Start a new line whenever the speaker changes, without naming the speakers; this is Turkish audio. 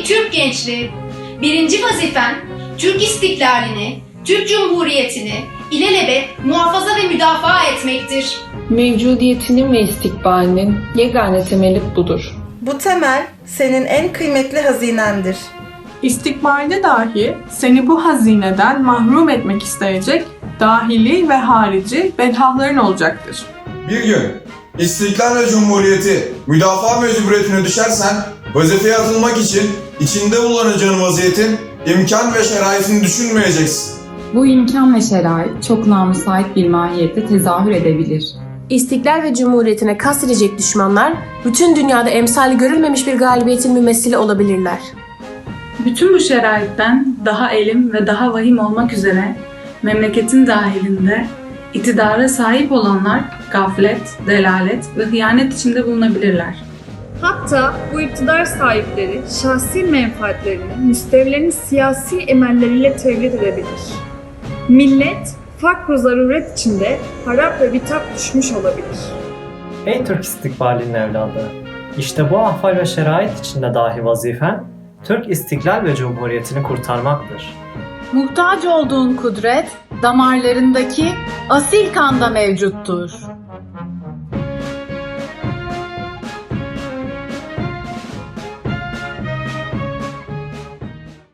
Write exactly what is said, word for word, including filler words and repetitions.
Ey Türk gençliği! Birinci vazifen Türk istiklalini, Türk Cumhuriyeti'ni ilelebet muhafaza ve müdafaa etmektir.
Mevcudiyetinin ve istikbalinin yegane temeli budur.
Bu temel senin en kıymetli hazinendir.
İstikbalde dahi seni bu hazineden mahrum etmek isteyecek dahili ve harici bedhahların olacaktır.
Bir gün İstiklal ve Cumhuriyeti müdafaa mecburiyetine düşersen vazifeye atılmak için içinde bulunacağın vaziyetin imkan ve şeraitini düşünmeyeceksin.
Bu imkan ve şerait çok namüsait bir mahiyette tezahür edebilir.
İstiklal ve Cumhuriyetine kastedecek düşmanlar, bütün dünyada emsali görülmemiş bir galibiyetin mümessili olabilirler.
Bütün bu şeraitten daha elim ve daha vahim olmak üzere memleketin dahilinde iktidara sahip olanlar gaflet, delalet ve hıyanet içinde bulunabilirler.
Hatta bu iktidar sahipleri şahsi menfaatlerini müstevlerin siyasi emelleriyle tevlid edebilir. Millet, fakr-ı zaruret içinde harap ve bitap düşmüş olabilir.
Ey Türk istikbalinin evladı! İşte bu ahval ve şerait içinde dahi vazifen, Türk istiklal ve cumhuriyetini kurtarmaktır.
Muhtaç olduğun kudret, damarlarındaki asil kanda mevcuttur.